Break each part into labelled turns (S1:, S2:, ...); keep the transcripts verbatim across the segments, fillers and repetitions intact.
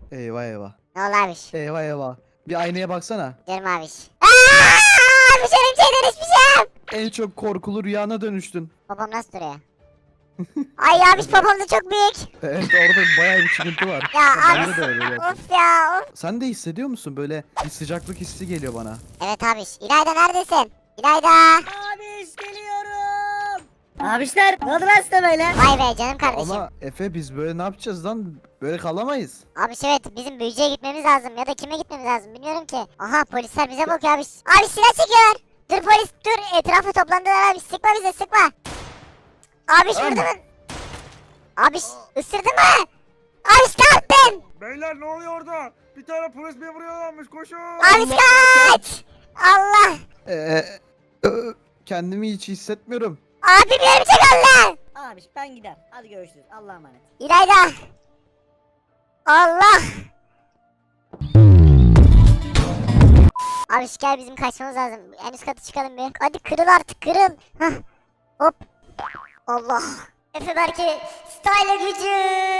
S1: Eyvah eyvah.
S2: Ne oldu abiş?
S1: Eyvah eyvah. Bir aynaya baksana.
S2: Diyorum abiş. Aaa! Abiş örümceğe dönüşmüşüm.
S1: En çok korkulu rüyana dönüştün.
S2: Babam nasıl duruyor? Ay abiş babam da çok büyük.
S1: Evet, orada bayağı bir çıkıntı var.
S2: Ya
S1: Bende
S2: abi.
S1: de öyle gerçekten.
S2: Of ya of.
S1: Sen de hissediyor musun? Böyle bir sıcaklık hissi geliyor bana.
S2: Evet abiş. İlayda neredesin? İlayda.
S3: Abiş geliyorum. Abişler ne oldu lan size böyle?
S2: Vay be canım kardeşim.
S1: Ama Efe, biz böyle ne yapacağız lan? Böyle kalamayız.
S2: Abiş evet bizim büyücüye gitmemiz lazım ya da kime gitmemiz lazım bilmiyorum ki. Aha polisler bize bakıyor abiş. Abiş silah çekiyor. Dur polis dur, etrafa toplandılar abiş, sıkma bize sıkma. Abiş
S1: Tamam.
S2: vurdu mu? Abiş ısırdı mı? Abiş ne yaptın?
S4: Beyler ne oluyor orada? Bir tane polis beni vuruyorlarmış, koşun.
S2: Abiş kaç. Allah.
S1: Ee, ö- kendimi hiç hissetmiyorum.
S2: Abim örümcek Allah.
S3: Abiş ben gider. Hadi görüşürüz. Allah'a emanet.
S2: İlayda. Allah. Abiş gel bizim kaçmamız lazım. En üst katı çıkalım bir. Hadi kırıl artık kırıl. Hah. Hop. Allah. Efe belki style gücü.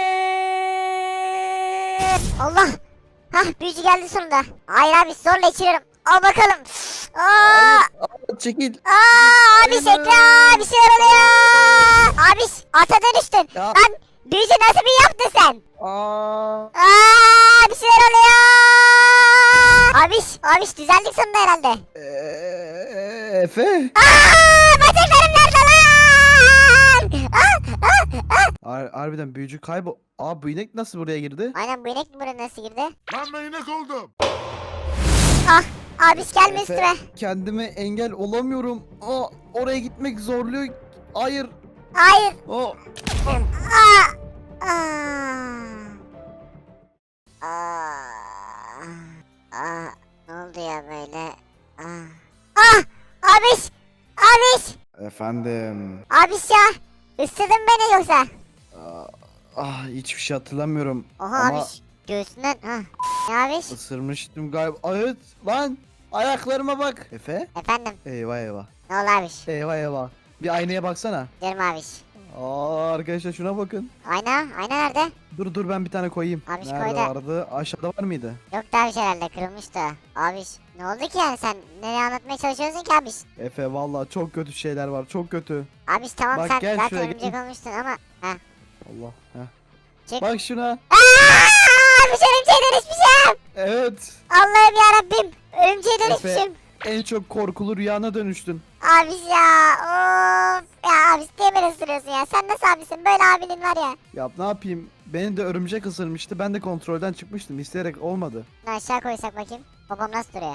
S2: Allah. Hah büyücü geldi sonunda. Hayır abi zorla içiriyorum. Al bakalım. Aa,
S1: Aa, çekil.
S2: aa abi şekli bir şeyler oluyor. Abi ata dönüştün.
S1: Ya.
S2: Lan büyücü nasıl bir yaptın sen?
S1: Aa,
S2: Aa bir şeyler oluyor. Abiş, abiş düzeldik sonunda herhalde.
S1: ee, Efe.
S2: Aa bacaklarım nerede lan? Aa, aa, aa.
S1: Har- harbiden büyücü kaybol. Aa, bu inek nasıl buraya girdi?
S2: Aynen bu inek mi buraya nasıl girdi?
S4: Lan ben inek oldum.
S2: Ah abiş gelme
S1: Efe,
S2: üstüme.
S1: kendime engel olamıyorum. Aa, oraya gitmek zorluyor. Hayır.
S2: Hayır.
S1: O.
S2: Aa. Aa. Aa. Aa. Ne oldu ya böyle? Aa. Ah abiş. Abiş.
S1: Efendim.
S2: Abiş ya. Isırdın beni yoksa?
S1: Aa, ah, hiçbir şey hatırlamıyorum.
S2: Oha
S1: Ama
S2: abiş. Göğsünden. Ha. Ne abiş?
S1: ısırmıştım galiba. Evet lan. Ayaklarıma bak. Efe.
S2: Efendim.
S1: Eyvah eyvah.
S2: Ne oldu abiş?
S1: Eyvah eyvah. Bir aynaya baksana.
S2: Diyorum abiş.
S1: Aa, arkadaşlar şuna bakın.
S2: Ayna. Ayna nerede?
S1: Dur dur, ben bir tane koyayım.
S2: Abi şu
S1: Nerede
S2: koy da-
S1: vardı? Aşağıda var mıydı?
S2: Yok da abiş herhalde kırılmıştı. Abiş. Ne oldu ki yani sen? Nereye anlatmaya çalışıyorsun ki abiş?
S1: Efe, vallahi çok kötü şeyler var. Çok kötü.
S2: Abiş tamam
S1: Bak,
S2: sen
S1: gel
S2: zaten
S1: şuraya,
S2: örümcek
S1: gel.
S2: olmuştun ama. Heh.
S1: Allah. Heh.
S2: Çık.
S1: Bak şuna.
S2: Aaa! Abiş örümceğe dönüşmüşüm.
S1: Evet.
S2: Allah'ım yarabbim. Örümceğe
S1: Efe,
S2: dönüşmüşüm.
S1: en çok korkulu rüyana dönüştün.
S2: Abiş ya. Of. Ya abiş niye beni ısırıyorsun ya? Sen nasıl abisin? Böyle abinin var ya.
S1: Ya ne yapayım? Beni de örümcek ısırmıştı. Ben de kontrolden çıkmıştım. İsteyerek olmadı.
S2: Bunu aşağı koysak bakayım. Babam nasıl duruyor?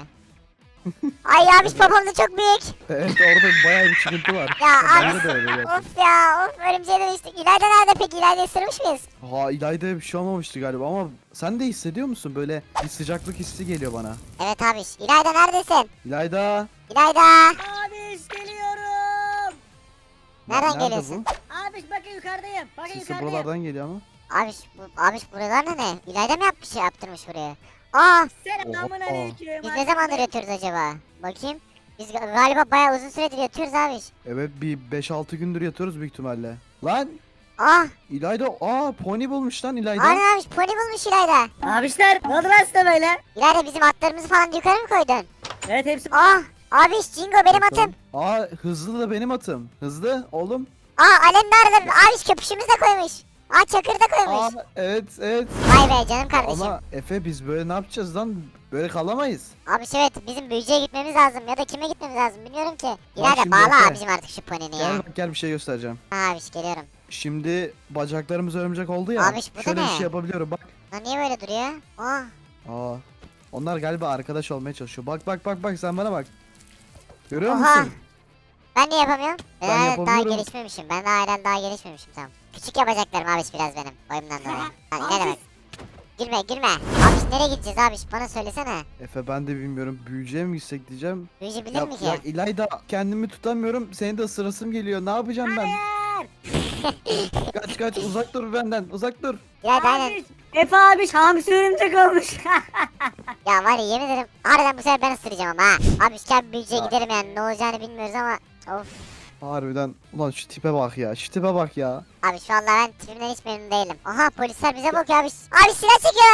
S2: Ay abiş babam da çok büyük.
S1: Evet, orada bayağı bir çıkıntı var.
S2: Ya
S1: Bende
S2: abi.
S1: de öyle gerçekten.
S2: Of ya of örümceğe dönüştük. İlayda nerede peki? İlayda ısırmış mıyız?
S1: Ha, İlayda'ya bir şey olmamıştı galiba ama sen de hissediyor musun? Böyle bir sıcaklık hissi geliyor bana.
S2: Evet abiş. İlayda neredesin?
S1: İlayda.
S2: İlayda.
S3: Abiş geliyorum.
S2: Nereden
S1: Nerede
S2: geliyorsun?
S1: bu?
S3: Abiş bakın yukarıdayım. Bakın
S1: Sesi
S3: yukarıdayım.
S1: buralardan geliyor ama.
S2: Abiş, bu, abiş buralar ne ne? İlayda mı yapmış şey yaptırmış buraya? Aa
S3: Selamun
S1: Oha.
S3: aleyküm.
S2: biz ne zamandır yatıyoruz acaba? Bakayım. Biz ga- galiba bayağı uzun süredir yatıyoruz abiş.
S1: Evet, bir beş altı gündür yatıyoruz büyük ihtimalle. Lan
S2: Aa
S1: İlayda, aa pony bulmuş lan İlayda.
S2: aynen abiş pony bulmuş İlayda.
S3: Abişler ne oldu lan size böyle?
S2: İlayda bizim atlarımızı falan yukarı mı koydun?
S3: Evet hepsi.
S2: Aa abiş Jingo benim atım.
S1: Aa, hızlı da benim atım. Hızlı oğlum.
S2: Aa Alem nerede? Abiş köpüşümüz de koymuş. Aa çakır da
S1: Aa,
S2: koymuş.
S1: evet evet.
S2: Vay be canım kardeşim.
S1: Ama Efe, biz böyle ne yapacağız lan? Böyle kalamayız.
S2: Abiş evet bizim büyücüye gitmemiz lazım ya da kime gitmemiz lazım bilmiyorum ki. İlayda
S1: şimdi
S2: bağla
S1: Efe.
S2: abicim artık şu ponini ya.
S1: Gel bak, gel bir şey göstereceğim.
S2: Ha abiş geliyorum.
S1: Şimdi bacaklarımız örümcek oldu ya.
S2: Abiş, bu da
S1: şöyle bir
S2: ne?
S1: şey yapabiliyorum bak.
S2: Lan niye böyle duruyor? Aa
S1: Aa. Onlar galiba arkadaş olmaya çalışıyor. Bak bak bak bak, sen bana bak. Görüyor
S2: Oha.
S1: musun?
S2: Ben niye yapamıyorum? Ben,
S1: Ben
S2: herhalde daha
S1: yapabiliyorum.
S2: gelişmemişim. Ben daha herhalde daha gelişmemişim tamam. Küçük yapacaklarım abiş biraz benim. Boyumdan dolayı. Lan ne demek? Girme girme. Abiş nereye gideceğiz abiş? Bana söylesene.
S1: Efe, ben de bilmiyorum. Büyücüye mi gitsek diyeceğim.
S2: Büyücü bilir
S1: Ya,
S2: mi ki?
S1: ya İlayda, kendimi tutamıyorum. Seni de ısırasım geliyor. Ne yapacağım ben?
S3: Hayır.
S1: Kaç kaç, uzak dur benden. Uzak dur.
S2: İlayda aynen.
S3: Abiş. Efe abiş hamsi örümcek olmuş.
S2: Ya var ya yemin ederim. Harbiden bu sefer ben ısıracağım ama ha. Abiş gel büyücüye
S1: Ya.
S2: gidelim yani. Ne olacağını bilmiyoruz ama. Of.
S1: Harbiden. Ulan şu tipe bak ya. Şu tipe bak ya.
S2: Abi şu anda ben tipimden hiç memnun değilim. Aha polisler bize bakıyor abiş. Abi silah çekiyor.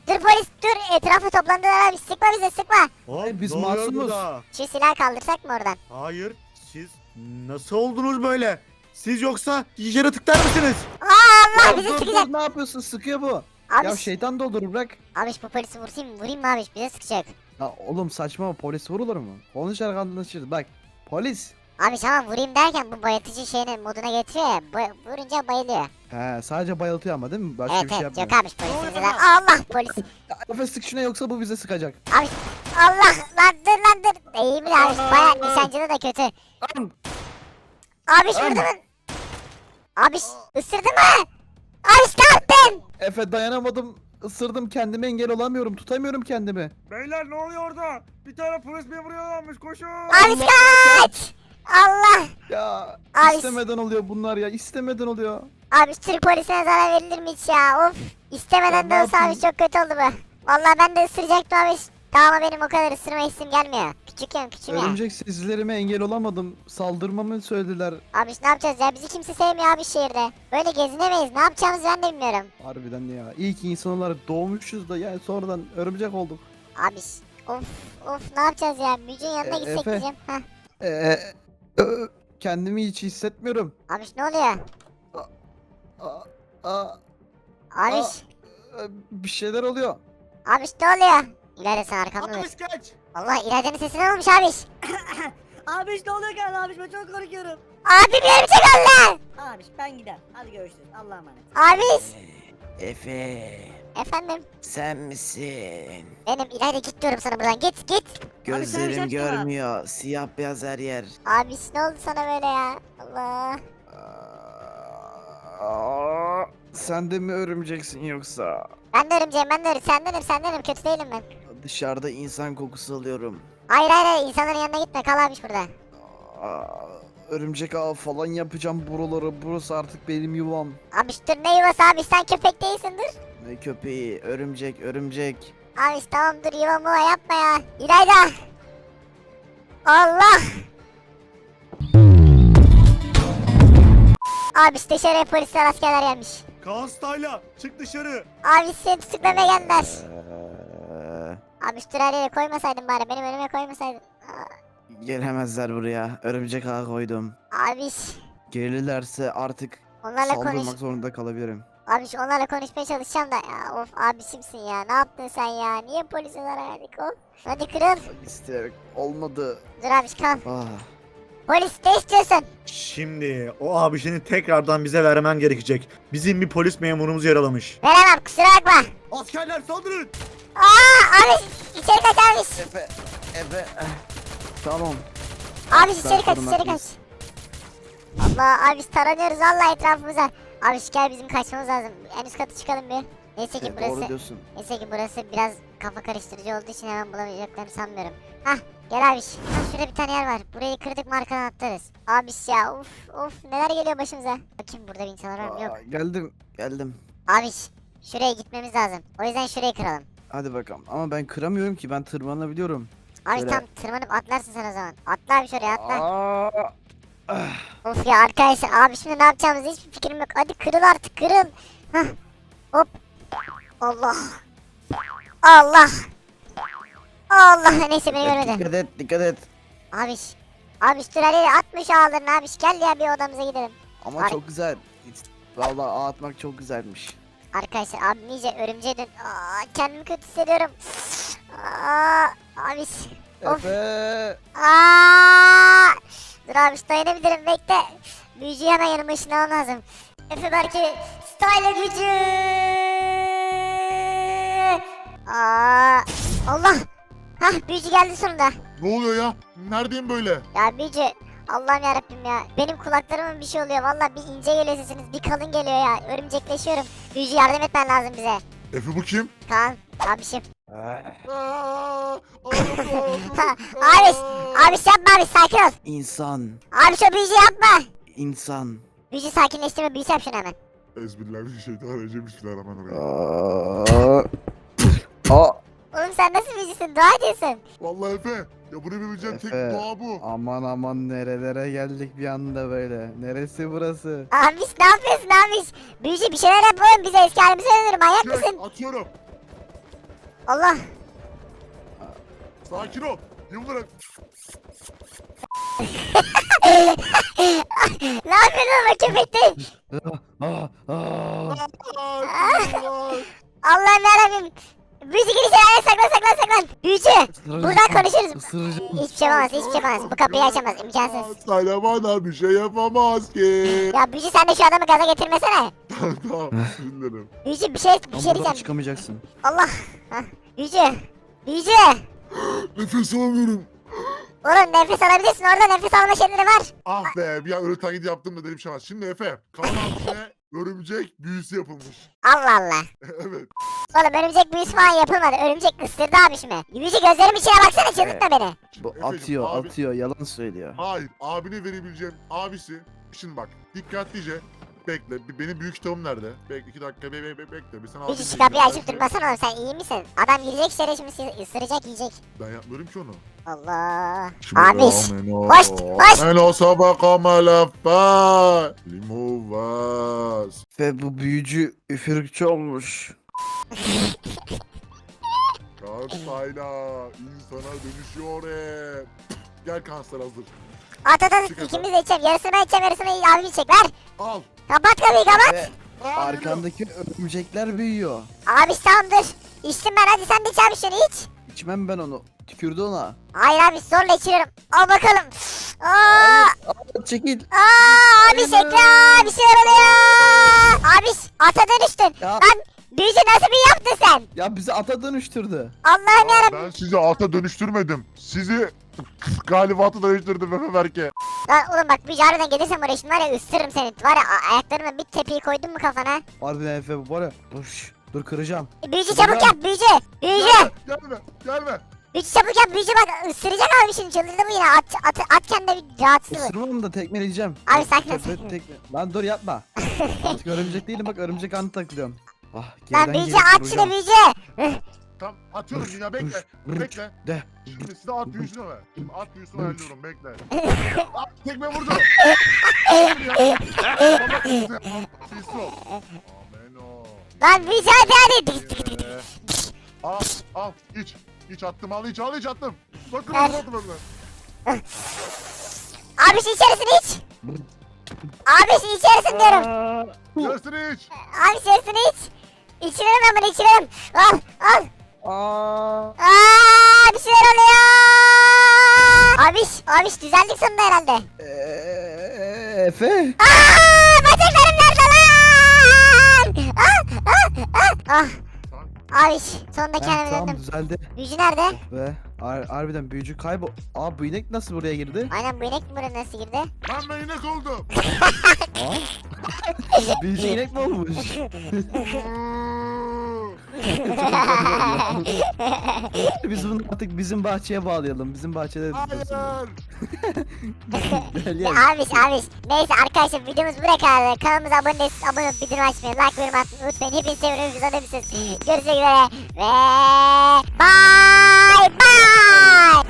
S2: Dur polis dur etrafa toplandılar abi sıkma bize sıkma.
S4: Abi
S1: biz
S4: ne oluyor
S1: masumuz.
S4: burada?
S2: Şu silahı kaldırsak mı oradan?
S4: Hayır siz nasıl oldunuz böyle? Siz yoksa yaratıklar mısınız?
S2: Aa Allah
S1: Ya
S2: bizi
S1: dur
S2: sıkacak.
S1: dur ne yapıyorsun? Sıkıyor bu.
S2: Abi,
S1: Ya şeytan doldurur bırak.
S2: abi bu polisi vurayım mı? Vurayım mı abi bize sıkacak.
S1: Ya oğlum saçma polis vurulur mu? Konuşarak anlaşırız. Bak polis.
S2: Abi tamam vurayım derken bu bayıltıcı şeyinin moduna getiriyor ya. Bay- vurunca bayılıyor.
S1: He sadece bayıltıyor ama değil mi? Başka
S2: Evet
S1: bir şey
S2: evet
S1: yapmıyor.
S2: yok abi polisin
S4: oluyor
S2: zaten.
S4: bana?
S2: Allah polis.
S1: Ya, Efe sık şuna yoksa bu bize sıkacak.
S2: Abi Allah lan dur lan dur. İyi mi abi? Baya nişancıda da kötü. Abi vurdu mu? Abi ısırdı mı? Abi ne yaptın?
S1: Efe dayanamadım. Isırdım kendime engel olamıyorum. Tutamıyorum kendimi.
S4: Beyler ne oluyor orada? Bir tane polis memuru yaralanmış koşun.
S2: Abi kaç. Allah.
S1: Ya
S2: Ay.
S1: istemeden oluyor bunlar ya. İstemeden oluyor.
S2: Abi Türk polisine zarar verilir mi hiç ya? Of. İstemeden
S1: Ya
S2: de
S1: ne
S2: olsa abi
S1: yapayım?
S2: çok kötü oldu bu. Vallahi ben de ısıracaktım abi. Daha ama benim o kadar ısırma hissim gelmiyor. Küçükken küçüğüm ya.
S1: Örümcek sizlerime engel olamadım. Saldırmamı söylediler.
S2: Abi ne yapacağız ya? Bizi kimse sevmiyor abi şehirde. Böyle gezinemeyiz. Ne yapacağımızı ben de bilmiyorum.
S1: Harbiden ya. İyi ki insan olarak doğmuşuz da yani sonradan örümcek olduk.
S2: Abi of of ne yapacağız ya? Büyücünün yanına
S1: E,
S2: gitsek
S1: Efe.
S2: diyeceğim. Heh.
S1: Ee, ö- kendimi hiç hissetmiyorum.
S2: Abi ne oluyor?
S1: Aa, aa,
S2: Abi
S1: Aa. e, bir şeyler oluyor.
S2: abi ne oluyor? İleride sen arkamda dur.
S4: Abi kaç.
S2: Allah İlayda'nın sesinden olmuş abi.
S3: Abiş ne oluyor galiba abiş ben çok korkuyorum.
S2: Abi bir örümcek oldu.
S3: Abiş ben gider. Hadi görüşürüz. Allah'a emanet.
S2: Abi.
S5: Efe,
S2: Efendim.
S5: sen misin?
S2: Benim İlayda git diyorum sana buradan git git.
S5: Gözlerim
S3: şarkı var.
S5: görmüyor. Siyah beyaz her yer.
S2: Abi ne oldu sana böyle ya? Allah.
S1: Aa, sen de mi örümceksin yoksa?
S2: Ben de örümceğim ben de örümceğim. Sendenim sendenim kötü değilim ben.
S5: Dışarıda insan kokusu alıyorum.
S2: Hayır hayır hayır insanların yanına gitme kal abi burada.
S1: Aa, örümcek ağı falan yapacağım buraları. Burası artık benim yuvam.
S2: Abi dur ne yuvası abi sen köpek değilsin dur.
S5: Ne köpeği, örümcek, örümcek.
S2: Abi tamam dur yuva muva yapma ya. İlayda. Allah. Abi işte dışarıya polisler askerler gelmiş.
S4: Kaan Stayla çık dışarı.
S2: Abi seni tutuklamaya geldiler.
S5: Ee,
S2: Abi şu her yere koymasaydın bari benim önüme koymasaydın. Aa,
S5: gelemezler buraya. Örümcek ağı koydum.
S2: Abi
S5: Gelirlerse artık
S2: onlarla konuş.
S5: saldırmak zorunda kalabilirim.
S2: Abi şu onlarla konuşmaya çalışacağım da ya of abisimsin ya ne yaptın sen ya niye polise zarar verdik of. Hadi kırıl.
S5: İsteyerek olmadı.
S2: Dur abi kal.
S5: Ah.
S2: Polis ne istiyorsun?
S4: Şimdi o abişini tekrardan bize vermen gerekecek. Bizim bir polis memurumuz yaralamış.
S2: Veremem kusura bakma.
S4: Askerler saldırın.
S2: Aa abi içeri kaç abi.
S5: Efe, Efe. eh, Tamam.
S2: Abi
S5: Ben
S2: içeri kaç
S5: korunmak
S2: içeri kaç. Allah abi taranıyoruz vallahi etrafımıza. Abi gel bizim kaçmamız lazım. En üst katı çıkalım bir. Neyse ki
S5: Evet,
S2: burası
S5: doğru diyorsun.
S2: neyse ki burası biraz kafa karıştırıcı olduğu için hemen bulamayacaklarını sanmıyorum. Hah gel abi. Hah, şurada bir tane yer var. Burayı kırdık mı arkadan atlarız. Abi ya of of neler geliyor başımıza. Bakayım burada bir insanlar var mı? Yok.
S5: Aa, geldim, geldim.
S2: Abi şuraya gitmemiz lazım. O yüzden şurayı kıralım.
S5: Hadi bakalım. Ama ben kıramıyorum ki. Ben tırmanabiliyorum.
S2: Abi
S5: Şöyle.
S2: tam tırmanıp atlarsın sen o zaman. Atla abi şuraya atla.
S5: Aa,
S2: Of ya arkadaşlar abi şimdi ne yapacağımızı hiçbir fikrim yok. Hadi kırıl artık kırıl. Hah. Hop. Allah. Allah. Allah neyse beni görmedi.
S5: dikkat et, dikkat et.
S2: Abi. Abi dur her yere atmış ağlarını abi. Gel ya bir odamıza gidelim.
S5: Ama
S2: Ay.
S5: çok güzel. Vallahi ağ atmak çok güzelmiş.
S2: Arkadaşlar abim iyice örümceğe dön. Aa, kendimi kötü hissediyorum. Aa, abi. Of.
S1: Efe.
S2: Aa! Dur abi dayanabilirim bekle. Büyücüyü hemen yanıma ışınlamam lazım. Efe belki style gücü. Aa! Allah! Hah büyücü geldi sonunda.
S6: Ne oluyor ya? Neredeyim böyle?
S2: Ya büyücü Allah'ım yarabbim ya. Benim kulaklarıma bir şey oluyor. Vallahi bir ince geliyor sesiniz. Bir kalın geliyor ya. Örümcekleşiyorum. Büyücü yardım etmen lazım bize.
S6: Efe bu kim?
S2: Kaan abişim.
S6: Aa,
S2: Ha, abi, abi yapma abi sakin ol.
S5: İnsan,
S2: Abi şu büyücü yapma.
S5: insan.
S2: Büyücü sakinleştirme büyüsü yap şunu hemen.
S6: Ezbillahirrahmanirrahim. Bismillahirrahmanirrahim.
S5: Aa, Aa,
S2: Oğlum sen nasıl büyücüsün? Dua ediyorsun.
S6: Vallahi Efe. Ya bunu yapabileceğim tek
S1: Efe.
S6: doğa bu.
S1: Aman aman nerelere geldik bir anda böyle. Neresi burası?
S2: Abiş ne yapıyorsun abiş? Büyücü bir şeyler yap oğlum bize eski halimize dönelim manyak
S6: Çek,
S2: mısın?
S6: atıyorum.
S2: Allah.
S6: Sakin ol. Yıldırım.
S2: Ne yapıyorsun o köpekte?
S1: Ah, ah.
S2: Allah'ım yarabbim. Büyücü girişe ayağına saklan saklan saklan. Büyücü. Buradan konuşuruz.
S1: Isıracağım.
S2: Hiçbir şey yapamaz hiçbir şey yapamaz. Bu kapıyı açamaz imkansız.
S6: Sana bana bir şey yapamaz ki.
S2: Ya büyücü sen de şu adamı gaza getirmesene.
S6: Tamam. Dinlerim.
S2: Büyücü bir şey bir
S1: Ama
S2: şey
S1: buradan
S2: diyeceğim.
S1: çıkamayacaksın.
S2: Allah. Hah. Büyücü. Büyücü.
S6: Nefes alamıyorum.
S2: Oğlum nefes alabilirsin orada nefes alma şeyleri var.
S6: Ah be bir an öyle taklit yaptım da dedim şey var. Şimdi Efe. Kaan abisine örümcek büyüsü yapılmış.
S2: Allah Allah.
S6: Evet.
S2: Oğlum örümcek büyüsü falan yapılmadı. Örümcek ısırdı abişimi. Büyücü gözlerim içine baksana çıldırtma beni.
S1: Bu
S6: Efeciğim,
S1: atıyor
S6: abi-
S1: atıyor yalan söylüyor.
S6: Hayır. Abine verebileceğim abisi. Şimdi bak. Dikkatlice. Bekle. bir- Benim büyük kitabım nerede? Bekle iki dakika. Be, be, be, bekle. Bir sana
S2: Büyücü
S6: abim
S2: şu kapıyı
S6: diyeceğim.
S2: açıp durmasana oğlum sen iyi misin? Adam girecek içeri şimdi ısı- ısıracak yiyecek.
S6: Ben yapmıyorum ki onu.
S2: Allah. Abiş.
S6: Ameno.
S2: Hoş, hoş.
S6: Ameno sabaka malafa. Limuvas.
S1: Ve bu büyücü üfürükçü olmuş.
S6: Kansayla insana dönüşüyor hep. Gel kanser hazır.
S2: At at at
S6: Çık
S2: ikimiz de içelim. Yarısını ben içeceğim yarısını abi içecek ver.
S6: Al.
S2: Kapat kapıyı kapat.
S1: Ve arkandaki örümcekler büyüyor.
S2: Abiş tamam dur. İçtim ben hadi sen de iç abi şunu iç.
S1: İçmem ben onu. Tükürdü ona.
S2: Hayır abi zorla içiriyorum. Al bakalım. Aa,
S1: Aa, çekil.
S2: aa abi şekli bir şeyler oluyor. Abiş ata dönüştün.
S1: Ya,
S2: Lan büyücü nasıl bir yaptın sen?
S1: ya bizi ata dönüştürdü.
S2: Allah'ım yarabbim.
S6: Ben sizi ata dönüştürmedim. Sizi galiba ata dönüştürdüm Efe Berke.
S2: Lan oğlum bak büyücü harbiden gelirsen buraya şimdi var ya ısırırım seni. Var ya a- ayaklarıma bir tepiyi koydun mu kafana?
S1: Harbiden Efe bu var ya. Dur, şş, dur kıracağım.
S2: E, Büyücü çabuk yap büyücü. Büyücü.
S6: Gelme, gelme, gelme.
S2: Büyücü çabuk yap büyücü bak ısıracak abi şimdi çıldırdı bu yine. At, at, at kendine bir rahatsız olur.
S1: Isırmam da tekmeleyeceğim.
S2: Abi sakin ol,
S1: Tekme-
S2: sakin ol.
S1: tekme- Lan dur yapma. Artık örümcek değilim bak örümcek anı takılıyorum. Ah,
S2: Lan
S1: geriden
S2: büyücü
S1: gelip
S2: at
S1: vuracağım.
S2: şunu büyücü.
S6: Tamam, atıyorum yine bekle.
S1: Rıç,
S6: Bekle.
S1: De.
S6: Şimdi size at büyüsünü ver. Şimdi at büyüsünü ayarlıyorum, bekle. At, tekme vurdu. Pis ol. Ameno.
S2: Lan büyücü hadi hadi.
S6: Ee, Al, al, iç. İç attım, al iç, al iç attım. Bakın,
S2: Ver.
S6: bakın, bakın.
S2: Abi şu içerisini iç. Abi şu içerisini diyorum.
S6: Yarısını iç.
S2: Abi içerisini iç. İçiyorum ben bunu içiyorum. Al al.
S1: Aa.
S2: Aa bir şeyler oluyor. Abiş abiş düzeldik sonunda herhalde.
S1: Eee, Efe.
S2: Aa bacaklarım nerede lan? Ah ah ah. Ah abiş sonunda
S1: Heh,
S2: kendime
S1: tamam
S2: döndüm.
S1: düzeldi.
S2: Büyücü nerede?
S1: Ve har- harbiden büyücü kaybol. Aa bu inek nasıl buraya girdi?
S2: Aynen bu inek mi buraya nasıl girdi?
S6: Lan ben inek oldum.
S1: Aa. Büyücü inek mi olmuş? Biz bunu artık bizim bahçeye bağlayalım. Bizim bahçede dursun.
S6: Hayır.
S1: Gel
S2: Ya
S1: gel.
S2: abiş abiş. Neyse arkadaşlar videomuz buraya kadar. Kanalımıza abone değilseniz abone olup bildirim açmayı, like yorum atmayı unutmayın. Hepinizi seviyorum. Güzel misiniz? Görüşmek üzere. Ve bye bye.